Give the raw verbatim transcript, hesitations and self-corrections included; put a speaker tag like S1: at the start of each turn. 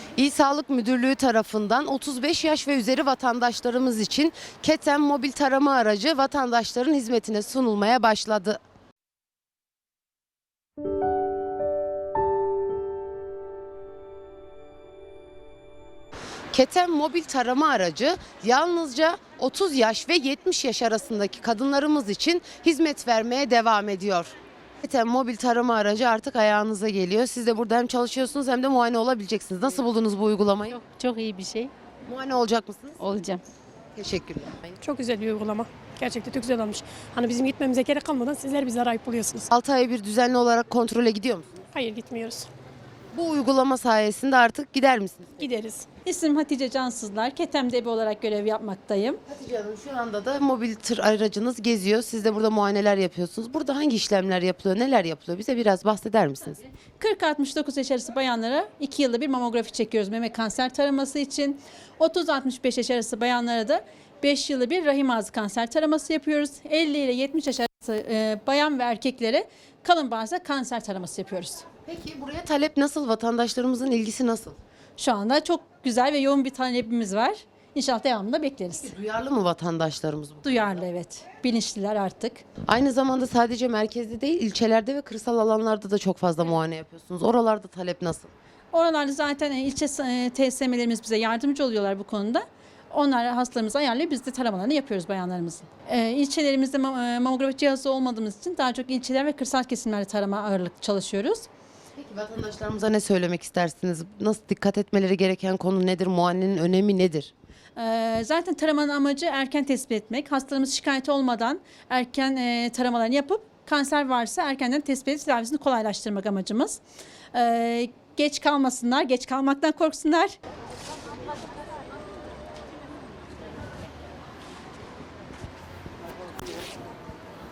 S1: İl Sağlık Müdürlüğü tarafından otuz beş yaş ve üzeri vatandaşlarımız için Keten mobil tarama aracı vatandaşların hizmetine sunulmaya başladı. Keten mobil tarama aracı yalnızca otuz yaş ve yetmiş yaş arasındaki kadınlarımız için hizmet vermeye devam ediyor. Keten mobil tarama aracı artık ayağınıza geliyor. Siz de burada hem çalışıyorsunuz hem de muayene olabileceksiniz. Nasıl buldunuz bu uygulamayı?
S2: Çok, çok iyi bir şey.
S1: Muayene olacak mısınız?
S2: Olacağım.
S1: Teşekkürler.
S3: Çok güzel bir uygulama. Gerçekten çok güzel olmuş. Hani bizim gitmemize gerek kalmadan sizler bize arayıp buluyorsunuz.
S1: altı ay bir düzenli olarak kontrole gidiyor musunuz?
S3: Hayır, gitmiyoruz.
S1: Bu uygulama sayesinde artık gider misiniz?
S3: Gideriz.
S4: İsmim Hatice Cansızlar. Ketem Debi olarak görev yapmaktayım.
S1: Hatice Hanım, şu anda da mobil tır aracınız geziyor. Siz de burada muayeneler yapıyorsunuz. Burada hangi işlemler yapılıyor, neler yapılıyor? Bize biraz bahseder misiniz?
S4: kırk altmış dokuz yaş arası bayanlara iki yılda bir mamografi çekiyoruz meme kanser taraması için. otuz altmış beş yaş arası bayanlara da beş yılda bir rahim ağzı kanser taraması yapıyoruz. elli ile yetmiş yaş arası e, bayan ve erkeklere kalın bağırsak kanser taraması yapıyoruz.
S1: Peki buraya talep nasıl? Vatandaşlarımızın ilgisi nasıl?
S4: Şu anda çok güzel ve yoğun bir talebimiz var. İnşallah devamında bekleriz.
S1: Duyarlı mı vatandaşlarımız bu?
S4: Duyarlı, evet. Bilinçliler artık.
S1: Aynı zamanda sadece merkezde değil, ilçelerde ve kırsal alanlarda da çok fazla muayene yapıyorsunuz. Oralarda talep nasıl?
S4: Oralarda zaten e, ilçe e, T S M'lerimiz bize yardımcı oluyorlar bu konuda. Onlar hastalarımızı ayarlayıp biz de taramalarını yapıyoruz bayanlarımızın. E, ilçelerimizde mam- e, mamografi cihazı olmadığımız için daha çok ilçeler ve kırsal kesimlerde tarama ağırlıklı çalışıyoruz.
S1: Peki vatandaşlarımıza ne söylemek istersiniz? Nasıl dikkat etmeleri gereken konu nedir? Muayenenin önemi nedir?
S4: E, zaten taramanın amacı erken tespit etmek. Hastalarımız şikayet olmadan erken e, taramalarını yapıp kanser varsa erkenden tespit edip tedavisini kolaylaştırmak amacımız. E, geç kalmasınlar, geç kalmaktan korksunlar.